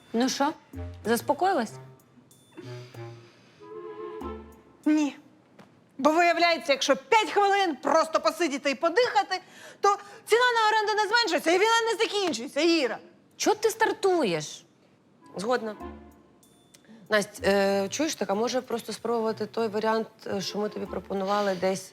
Ну що, заспокоїлась? Ні. Бо виявляється, якщо 5 хвилин просто посидіти і подихати, то ціна на оренду не зменшується і війна не закінчується, Іра. Чого ти стартуєш? Згодна. Насть, чуєш так, а може просто спробувати той варіант, що ми тобі пропонували десь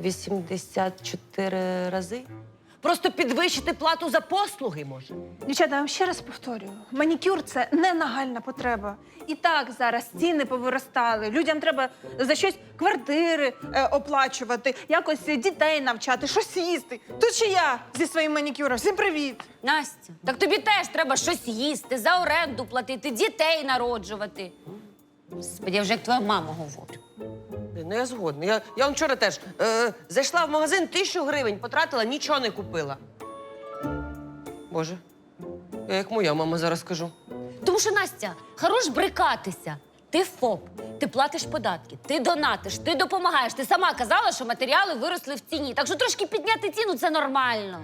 84 рази? Просто підвищити плату за послуги, може? Дівчата, я вам ще раз повторюю, манікюр – це не нагальна потреба. І так зараз ціни повиростали, людям треба за щось квартири оплачувати, якось дітей навчати, щось їсти. Тут ще я зі своїм манікюром. Всім привіт! Настя, так тобі теж треба щось їсти, за оренду платити, дітей народжувати. Господи, я вже як твоя мама говорю. Ну, я згодна. Я вон вчора теж зайшла в магазин, 1000 гривень потратила, нічого не купила. Боже, я як моя мама зараз скажу. Тому що, Настя, хорош брикатися. Ти ФОП, ти платиш податки, ти донатиш, ти допомагаєш. Ти сама казала, що матеріали виросли в ціні. Так що трошки підняти ціну – це нормально.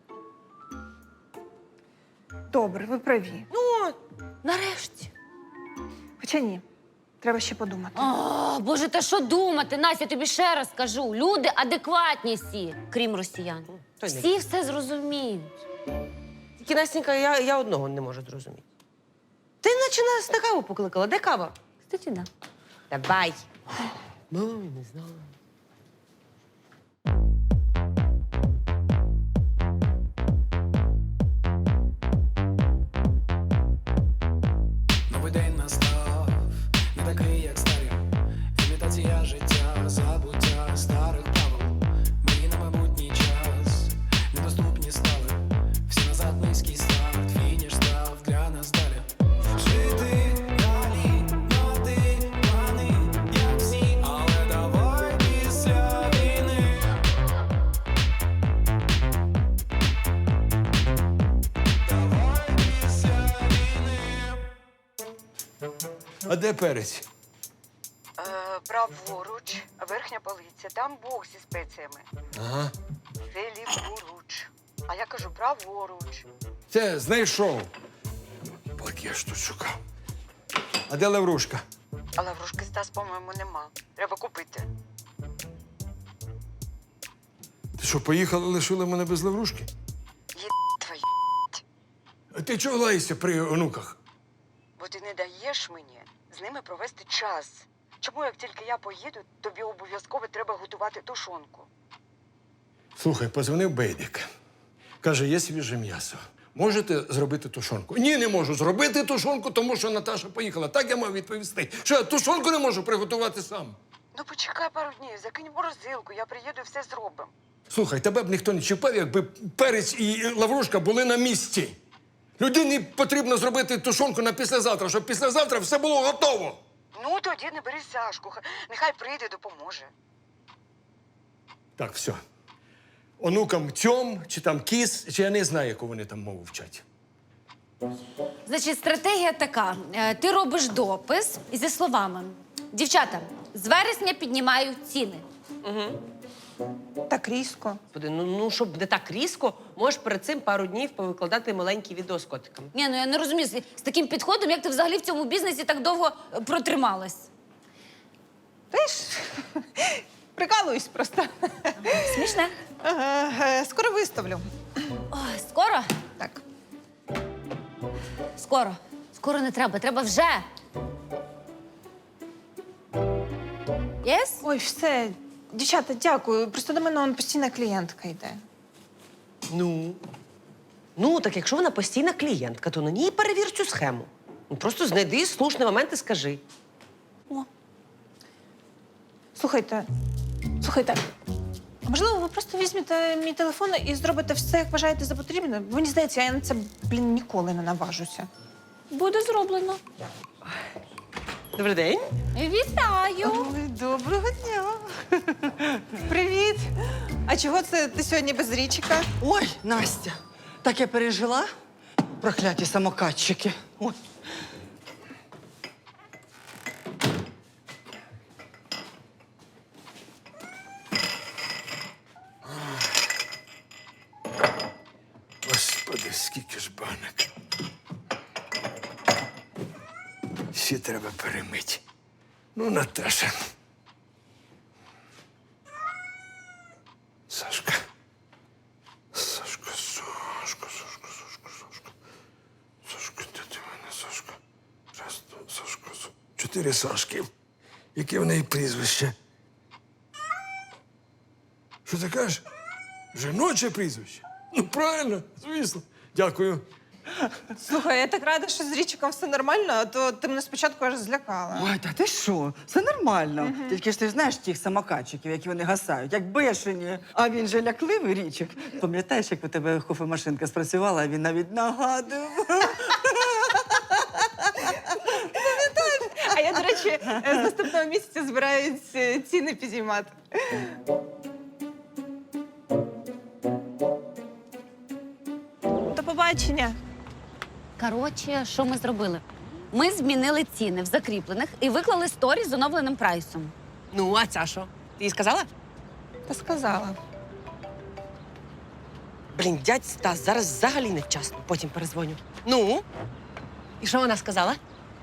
Добре, ви праві. Ну, Нарешті. Хоча ні, треба ще подумати. О, Боже, та що думати, Настя, я тобі ще раз кажу. Люди адекватні всі, крім росіян. то й не Всі все зрозуміють. Тільки, Настенька, я одного не можу зрозуміти. Ти наче нас на каву покликала. Де кава? Кстати, да. Давай. Ну, не знаю. Новий день настав, не такий, як старі. Імітація життя, забуття старих правил. Мені на майбутній час недоступні стали. Всі назад низький старт, фініш став для нас далі. Жити далі, мати плани, як всі, але давай після війни. Давай після війни. А де перець? Праворуч, верхня полиця, там бок зі спеціями. Ага. Це ліворуч. А я кажу праворуч. Це знайшов. Поки я ж тут шукав. А де лаврушка? Але вружки Стас, по-моєму, нема. Треба купити. Ти що, поїхала, лишила мене без лаврушки? Твої. А ти чого лаєшся при онуках? Бо ти не даєш мені з ними провести час. Чому, як тільки я поїду, тобі обов'язково треба готувати тушонку? Слухай, позвонив Бейдик. Каже, є свіже м'ясо. Можете зробити тушонку? Ні, не можу зробити тушонку, тому що Наташа поїхала. Так я мав відповісти. Що я тушонку не можу приготувати сам. Ну почекай пару днів, закинь в морозилку, я приїду і все зробимо. Слухай, тебе б ніхто не чіпав, якби перець і лаврушка були на місці. Людині потрібно зробити тушонку на післязавтра, щоб післязавтра все було готово. Ну, тоді не бери Сашку, нехай прийде, допоможе. Так, все. Онукам тьом, чи там кіс, чи я не знаю, яку вони там мову вчать. Значить, стратегія така. Ти робиш допис зі словами. Дівчата, з вересня піднімаю ціни. Так різко. Господи, ну, щоб не так різко, можеш перед цим пару днів повикладати маленькі відео з котиками. Ні, ну я не розумію, з таким підходом, як ти взагалі в цьому бізнесі так довго протрималась. Ти ж прикалуюсь просто. Смішне. Скоро виставлю. Ой, скоро? Так. Скоро. Скоро не треба, треба вже. Єс? Ой, все. Дівчата, дякую. Просто до мене он постійна клієнтка йде. Ну, так якщо вона постійна клієнтка, то на ній перевір цю схему. Ну, просто знайди слушний момент і скажи. Слухайте, а можливо, ви просто візьмете мій телефон і зробите все, як вважаєте за потрібне? Мені здається, я на це, ніколи не наважуся. Буде зроблено. Добрий день. Вітаю! Ой, доброго дня. Привіт. А чого це ти сьогодні без річика? Ой, Настя, так я пережила. Прокляті самокатчики. Ой. Господи, скільки ж банок. всі треба перемити. Ну, Наташа. Сашка. Сашка, Сашка, Сашка, Сашка, Сашка. Сашка, де ти в мене, Сашка? Раз, два, Сашка, Сашка. 4 Сашки. Яке в неї прізвище? Що ти кажеш? Жіноче прізвище? Ну, правильно, звісно. Дякую. Слухай, я так рада, що з Річиком все нормально, а то ти мене спочатку аж злякала. Ой, та ти що? Все нормально. Тільки ж ти знаєш тих самокатчиків, які вони гасають, як бешені. А він же лякливий, Річик. Пам'ятаєш, як у тебе кофемашинка спрацювала, а він навіть нагадував. А я, до речі, з наступного місяця збираюсь ціни підіймати. До побачення. Коротше, що ми зробили? Ми змінили ціни в закріплених і виклали сторі з оновленим прайсом. Ну, а ця що? Ти їй сказала? Та сказала. Блін, дядь Стас, зараз взагалі не вчасно. Потім перезвоню. Ну? І що вона сказала?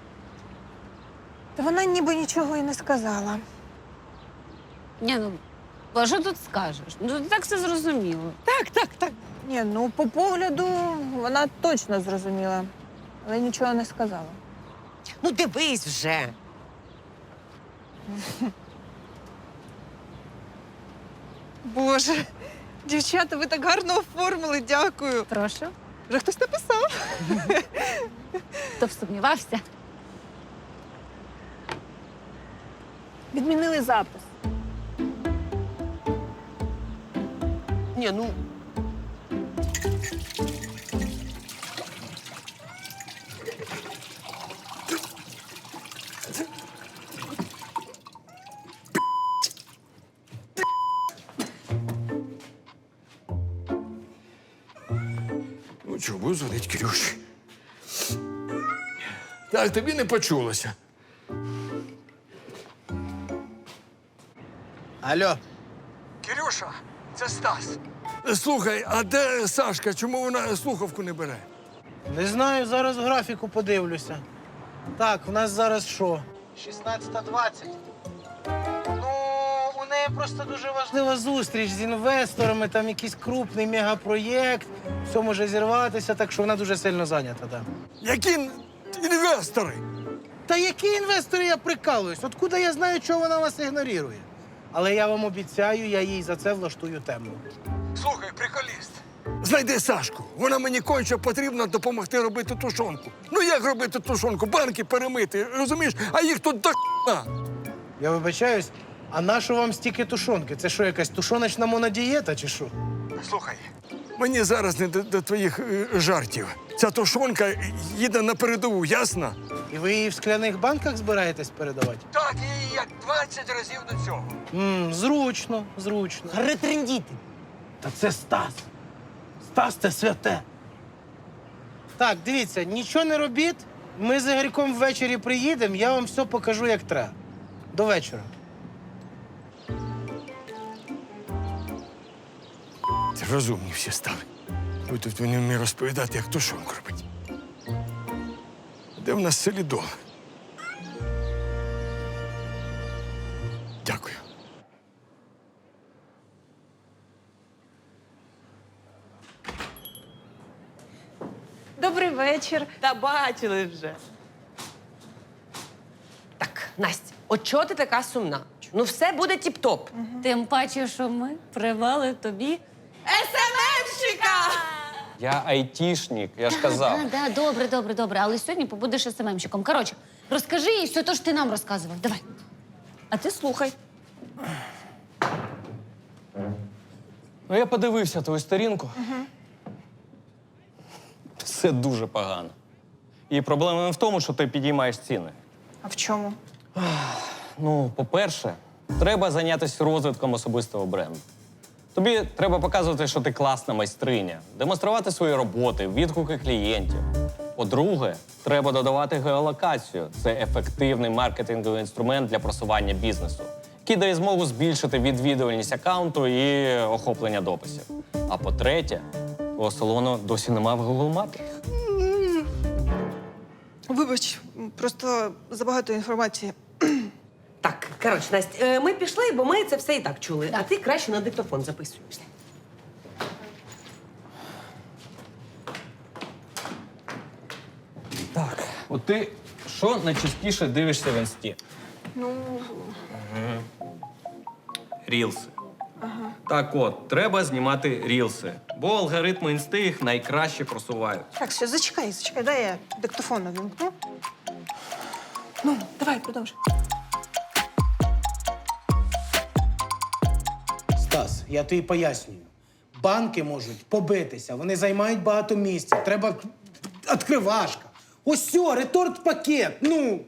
Та вона ніби нічого і не сказала. Ні, ну, а що тут скажеш? Ну, ти так все зрозуміло. Так. Ні, ну по погляду вона точно зрозуміла, але нічого не сказала. Ну, дивись вже. Боже, дівчата, ви так гарно оформили, дякую. Прошу. Вже хтось написав. Хто б сумнівався? Відмінили запис. Ні, ну. Ну, чого, буду дзвонити Кирюші. Так, тобі не почулося. Алло, Кирюша, це Стас. Слухай, а де Сашка? Чому вона слухавку не бере? не знаю, зараз в графіку подивлюся. Так, у нас зараз що? 16:20. Ну, у неї просто дуже важлива зустріч з інвесторами, там якийсь крупний мегапроєкт. Все може зірватися, так що вона дуже сильно зайнята, так. Які інвестори? Та які інвестори, я прикалуюсь? Откуда я знаю, чого вона вас ігнорує? Але я вам обіцяю, я їй за це влаштую тему. Слухай, приколіст. Знайди Сашку. Вона мені конче потрібно допомогти робити тушонку. Ну як робити тушонку? Банки перемити, розумієш? А їх тут до х**на. Я вибачаюсь, а нащо вам стільки тушонки? Це що, якась тушоночна монодієта чи що? Слухай, мені зараз не до твоїх жартів. Ця тушонка їде на передову, ясно? І ви її в скляних банках збираєтесь передавати? Так, і як 20 разів до цього. Зручно, зручно. Ретрендіти. Та це Стас. Стас це святе. Так, дивіться, нічого не робіть. Ми з Ігорьком ввечері приїдемо, я вам все покажу, як треба. До вечора. Це розумні всі стали. Ви тут мені не розповідати, як тушонку робити. Де в нас селідол? Дякую. Добрий вечір. Та бачили вже. Так, Настя, от чого ти така сумна? Ну, все буде тіп-топ. Тим паче, що ми привели тобі. Я айтішник, я ж казав. Добре. Але сьогодні побудеш СММщиком. Коротше, розкажи їй все те, що ти нам розказував. Давай. А ти слухай. Ну, я подивився твою сторінку. Все дуже погано. І проблема не в тому, що ти підіймаєш ціни. А в чому? Ну, по-перше, треба зайнятися розвитком особистого бренду. Тобі треба показувати, що ти класна майстриня, демонструвати свої роботи, відгуки клієнтів. По-друге, треба додавати геолокацію. Це ефективний маркетинговий інструмент для просування бізнесу, який дає змогу збільшити відвідувальність аккаунту і охоплення дописів. А по-третє, твого салону досі немає в Google Мапі. Вибач, просто забагато інформації. Так, коротше, Настя, ми пішли, бо ми це все і так чули. А ти краще на диктофон записуєш. Так, от ти що найчастіше дивишся в інсті? Ну, Рілси. Так от, треба знімати рілси, бо алгоритми інсти їх найкраще просувають. так, все, зачекай, дай я диктофон увімкну. Ну, давай, продовжуй. Стас, я тобі пояснюю. Банки можуть побитися, вони займають багато місця. Треба відкривашка. Ось все, реторт-пакет. Ну.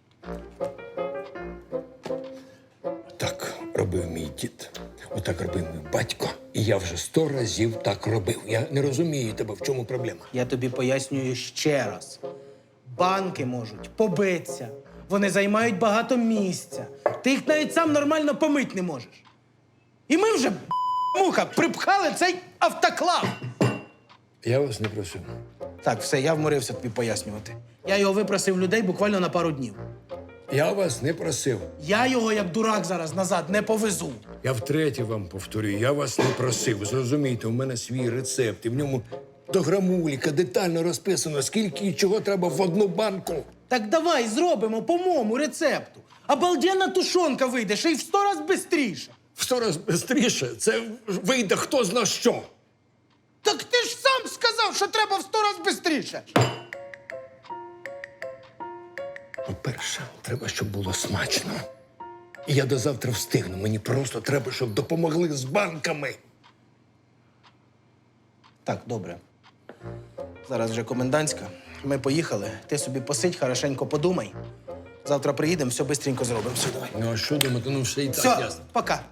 Так робив мій дід. Отак робив мій батько. І я вже 100 разів так робив. Я не розумію тебе, в чому проблема. Я тобі пояснюю ще раз. Банки можуть побитися. Вони займають багато місця. Ти їх навіть сам нормально помити не можеш. І ми вже, муха, припхали цей автоклав. Я вас не просив. Так, все, я вморився тобі пояснювати. Я його випросив людей буквально на пару днів. Я вас не просив. Я його, як дурак, зараз назад не повезу. Я втретє вам повторюю, я вас не просив. Зрозумійте, у мене свій рецепт, і в ньому до грамуліка детально розписано, скільки і чого треба в одну банку. Так давай зробимо по моєму рецепту. Обалденна тушонка вийде, ще й в 100 разів швидше. В 100 разів швидше це вийде хто зна що. Так ти ж сам сказав, що треба в 100 разів швидше. По-перше, треба, щоб було смачно. І я до завтра встигну. Мені просто треба, щоб допомогли з банками. Так, добре. Зараз вже комендантська. Ми поїхали. Ти собі посидь, хорошенько подумай. Завтра приїдемо, все швидко зробимо. Все, давай. Ну, а що думати? Ну, все і так Все, ясно. пока.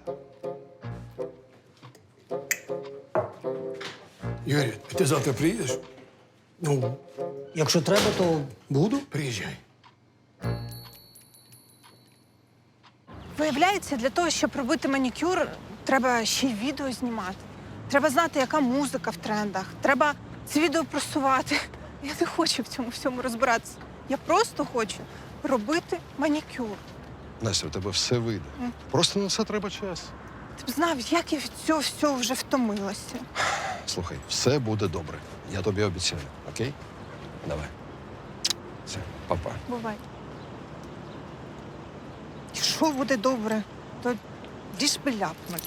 Юрій, ти завтра приїдеш? Ну, якщо треба, то буду. Приїжджай. Виявляється, для того, щоб робити манікюр, треба ще й відео знімати. Треба знати, яка музика в трендах. Треба це відео просувати. Я не хочу в цьому всьому розбиратися. Я просто хочу робити манікюр. Настя, у тебе все вийде. Просто на все треба час. Ти б знав, як я від цього всього вже втомилася. Слухай, все буде добре. Я тобі обіцяю, окей? Давай. Все, па-па. Бувай. Якщо буде добре, то ліж би ляпнуть.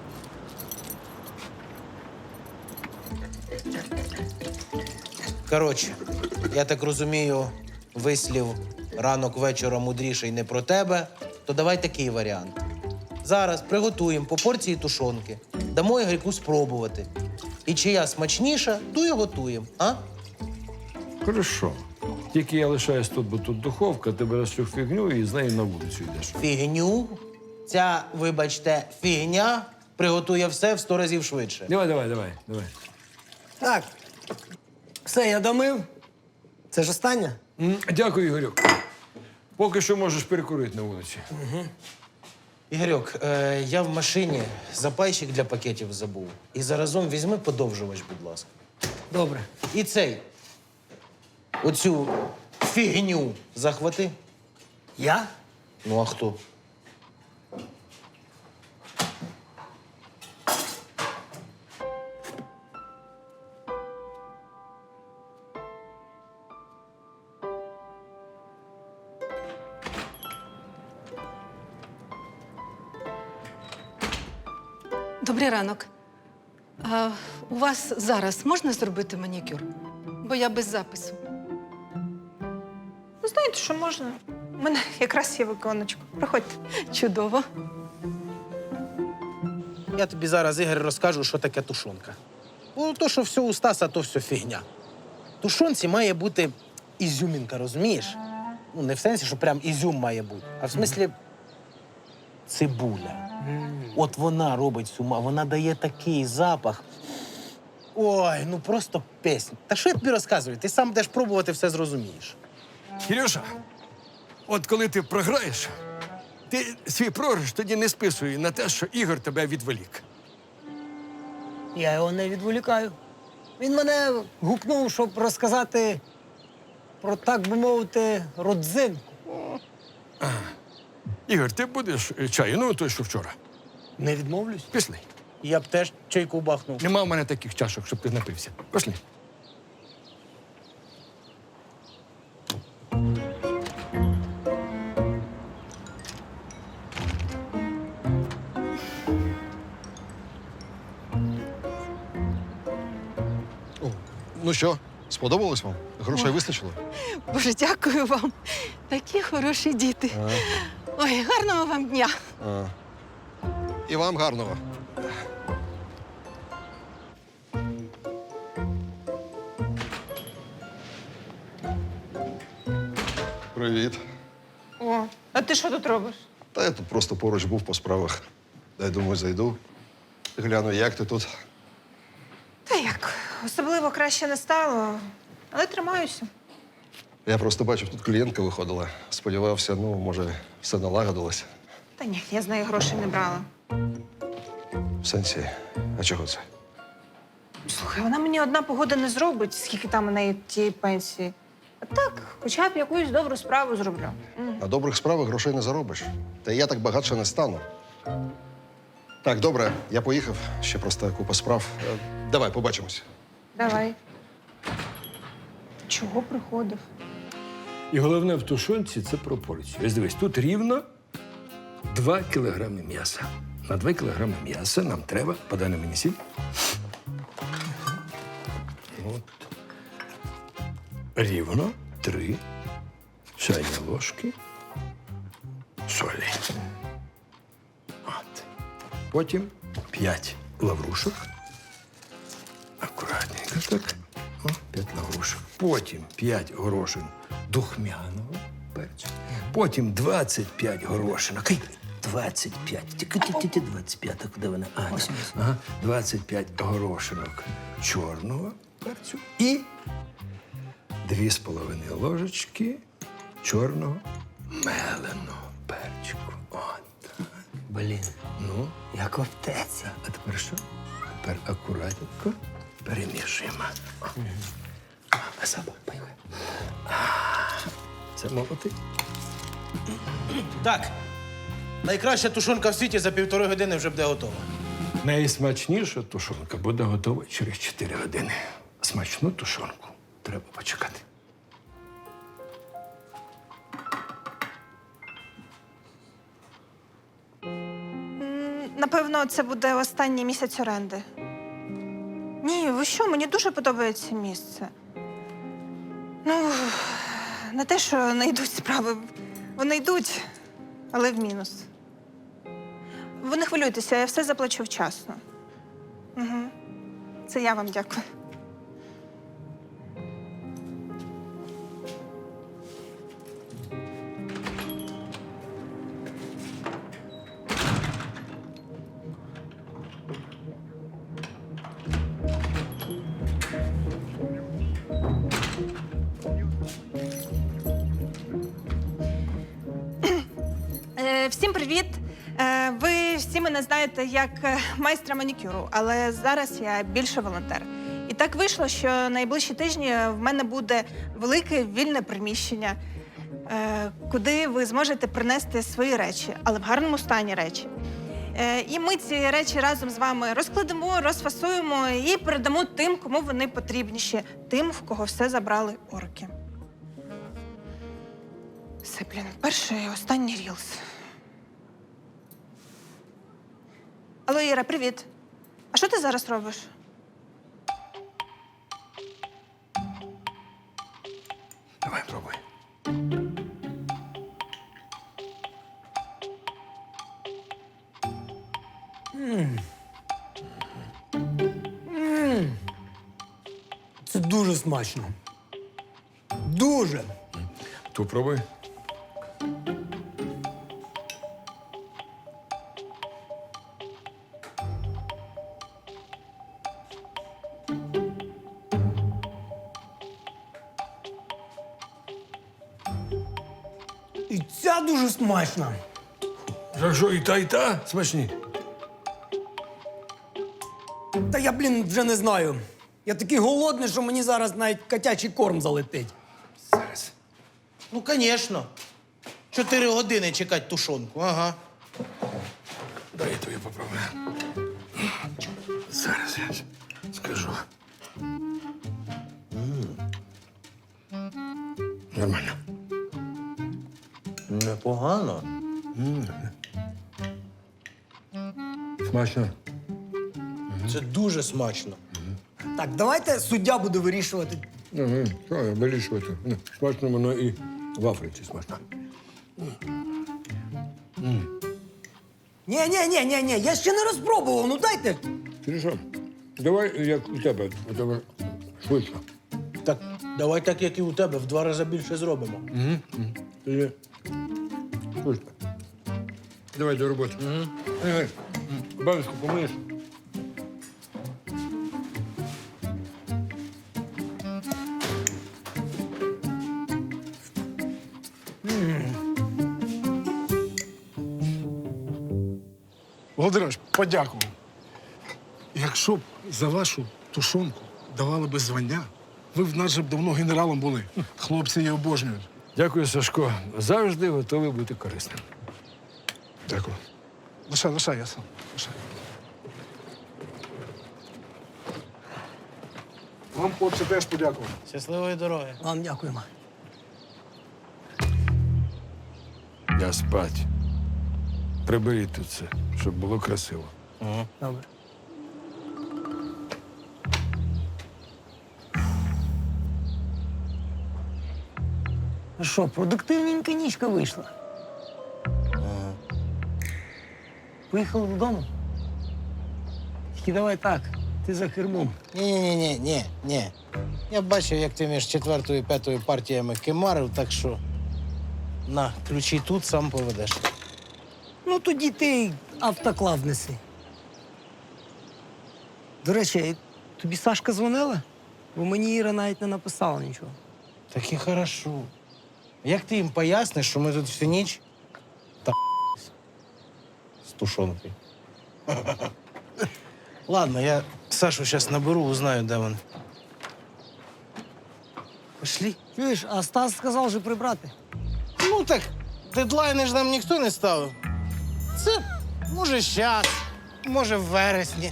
Коротше, я так розумію, вислів ранок вечора мудріший не про тебе, то давай такий варіант. Зараз приготуємо по порції тушонки, дамо Ігорьку спробувати. І чия смачніша, ту і готуємо, а? Хорошо. Тільки я лишаюсь тут, бо тут духовка, ти береш цю фігню і з нею на вулицю йдеш. Фігню. Ця, вибачте, фігня приготує все в 100 разів швидше. Давай. Так. Все, я домив. Це ж останнє? Дякую, Ігорюк. Поки що можеш перекурити на вулиці. Ігорьок, я в машині запайчик для пакетів забув. І заразом візьми подовжувач, будь ласка. Добре. І цей. Оцю фігню захвати. Я? Ну, а хто? Добрий ранок. А у вас зараз можна зробити манікюр? Бо я без запису. Ну, знаєте, що можна? У мене якраз є виконочку. Приходьте. Чудово. Я тобі зараз, Ігор, розкажу, що таке тушонка. Ну, то, що все у Стаса, то все фігня. В тушонці має бути ізюмінка, розумієш? Ну, не в сенсі, що прям ізюм має бути, а в смислі цибуля. От вона робить вона дає такий запах. Ой, ну просто пісня. Та що я тобі розказую? Ти сам будеш пробувати, все зрозумієш. Кирюша, от коли ти програєш, ти свій програш тоді не списуй на те, що Ігор тебе відволік. Я його не відволікаю. Він мене гукнув, щоб розказати про, так би мовити, родзинку. Ігор, ти будеш чаю? Ну, той, що вчора. Не відмовлюсь. Пішли. Я б теж чайку бахнув. Нема в мене таких чашок, щоб ти напився. Пішли. Ну що, сподобалось вам? Грошей вистачило? Боже, дякую вам. Такі хороші діти. Ой, гарного вам дня. І вам гарного. Привіт. О, а ти що тут робиш? Та я тут просто поруч був по справах. Дай, думаю, зайду. Гляну, як ти тут. Та як, особливо краще не стало, але тримаюся. Я просто бачив, тут клієнтка виходила. Сподівався, ну, може, все налагодилось. Та ні, я з неї грошей не брала. В сенсі, а чого це? Слухай, вона мені одна погода не зробить, скільки там у неї тієї пенсії. А так, хоча б якусь добру справу зроблю. На добрих справах грошей не заробиш. Та й я так багатше не стану. Так, добре, я поїхав. Ще просто купа справ. Давай, побачимось. Давай. Чого приходив? І головне в тушонці це пропорції. Ось дивись, тут рівно 2 кілограми м'яса. На 2 кілограми м'яса нам треба, подай на мені сіль. От. Рівно 3 чайні ложки солі. От. Потім 5 лаврушок. Акуратненько так. О, 5 лаврушок. Потім 5 горошин духмяного перцю. Потім 25 горошинок. 25. Тільки 25. Куди вона? Ага. 25 горошинок чорного перцю. І 2,5 ложечки чорного меленого перчику. От. Блін, Ну, як в аптеці. а тепер що? Тепер акуратненько перемішуємо. А собак поїхали. Це молотий. Так. Найкраща тушонка в світі за 1,5 години вже буде готова. Найсмачніша тушонка буде готова через 4 години. Смачну тушонку треба почекати. Напевно, це буде останній місяць оренди. Ні, ви що, мені дуже подобається місце. Ну, не те, що не йдуть справи. Вони йдуть, але в мінус. Ви не хвилюйтеся, я все заплачу вчасно. Угу. Це я вам дякую. Всім привіт! Ви всі мене знаєте як майстра манікюру, але зараз я більше волонтер. І так вийшло, що найближчі тижні в мене буде велике вільне приміщення, куди ви зможете принести свої речі, але в гарному стані речі. І ми ці речі разом з вами розкладемо, розфасуємо і передамо тим, кому вони потрібніші, тим, в кого все забрали орки. Все, блін, перший і останній рілс. Алло, Іра, привіт. А що ти зараз робиш? Давай, пробуй. Це дуже смачно. Дуже. Ту пробуй. І ця дуже смачна. За що і та смачні? Та я, вже не знаю. Я такий голодний, що мені зараз навіть котячий корм залетить. Зараз Ну, звісно. 4 години чекати тушонку, ага. Дай я тобі попробую. Зараз я скажу. Нормально. Непогано. Смачно. Це дуже смачно. Так, давайте суддя буде вирішувати. Що я вирішувати? Смачно воно і в Африці смачно. Ні, я ще не розпробував, ну дайте. Ти що? Давай, як у тебе швидко. Так, давай так, як і у тебе, в 2 рази більше зробимо. Тоді швидко. Давай до роботи. Баночку помиєш? Володимирович, подякував. Якщо б за вашу тушонку давали би звання, ви в нас же б давно генералом були. Хлопці її обожнюють. Дякую, Сашко. Завжди готовий бути корисним. Дякую. Лишай, я сам. Лишай. Вам, хлопці, теж подякував. Щасливої дороги. Вам дякуємо. Я спать. Приберіть тут це, щоб було красиво. Добре. Ну що, продуктивненька нічка вийшла. Поїхали додому. Тільки давай так, ти за кермом. Ні. Я бачив, як ти між 4-ю і 5-ю партіями кемарив, так що на, ключі тут, сам поведеш. Ну тоді ти автоклав неси. До речі, тобі Сашка дзвонила? Бо мені Іра навіть не написала нічого. Так і хорошо. Як ти їм поясниш, що ми тут всю ніч та з тушонкою? Ладно, я Сашу зараз наберу, узнаю, де він. Пошли. Чуєш, а Стас сказав вже прибрати. Ну так, дедлайни ж нам ніхто не ставив. Це може щас, може в вересні.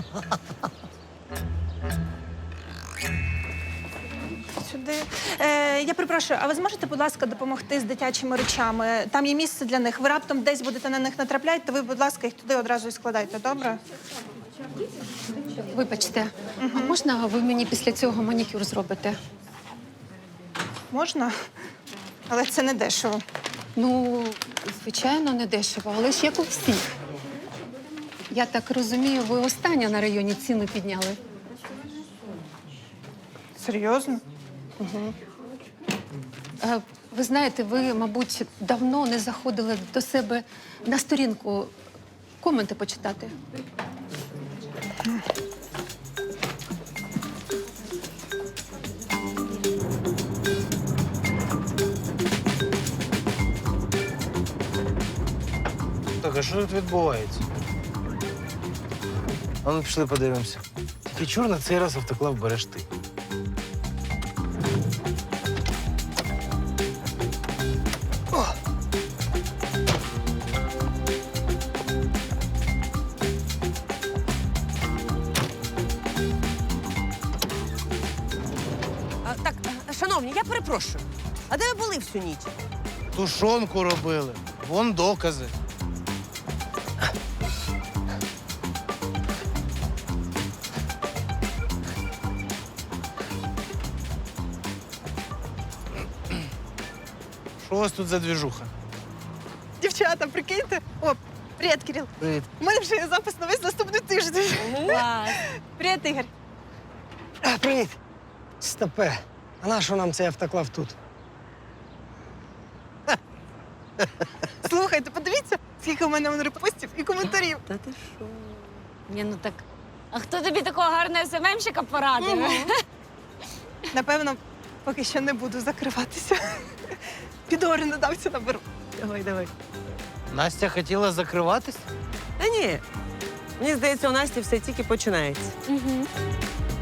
Сюди. Я перепрошую, а ви зможете, будь ласка, допомогти з дитячими речами? Там є місце для них. Ви раптом десь будете на них натрапляти, то ви, будь ласка, їх туди одразу і складайте, добре? Вибачте, а можна ви мені після цього манікюр зробите? Можна? Але це не дешево. Ну, звичайно, не дешево, але ж як у всіх. Я так розумію, ви останнє на районі ціни підняли. Серйозно? Ви знаєте, ви, мабуть, давно не заходили до себе на сторінку коменти почитати. Так, а що тут відбувається? А ну, пішли подивимося. Тільки чур на цей раз автоклав береш ти. Так, шановні, я перепрошую. А де ви були всю ніч? Тушонку робили. Вон докази. Що у вас тут за двіжуха? Дівчата, прикиньте. О, привіт, Кирил. Привіт. У мене вже є запис на весь наступний тиждень. Привіт, Ігор. Привіт. Стопе. А на що нам цей автоклав тут? Слухайте, подивіться, скільки у мене репостів і коментарів. Та ти що? Ні, ну так. А хто тобі такого гарного СММщика порадив? Напевно, поки що не буду закриватися. Піду орендодавця наберу. Давай. Настя хотіла закриватись? Та ні. Мені здається, у Насті все тільки починається.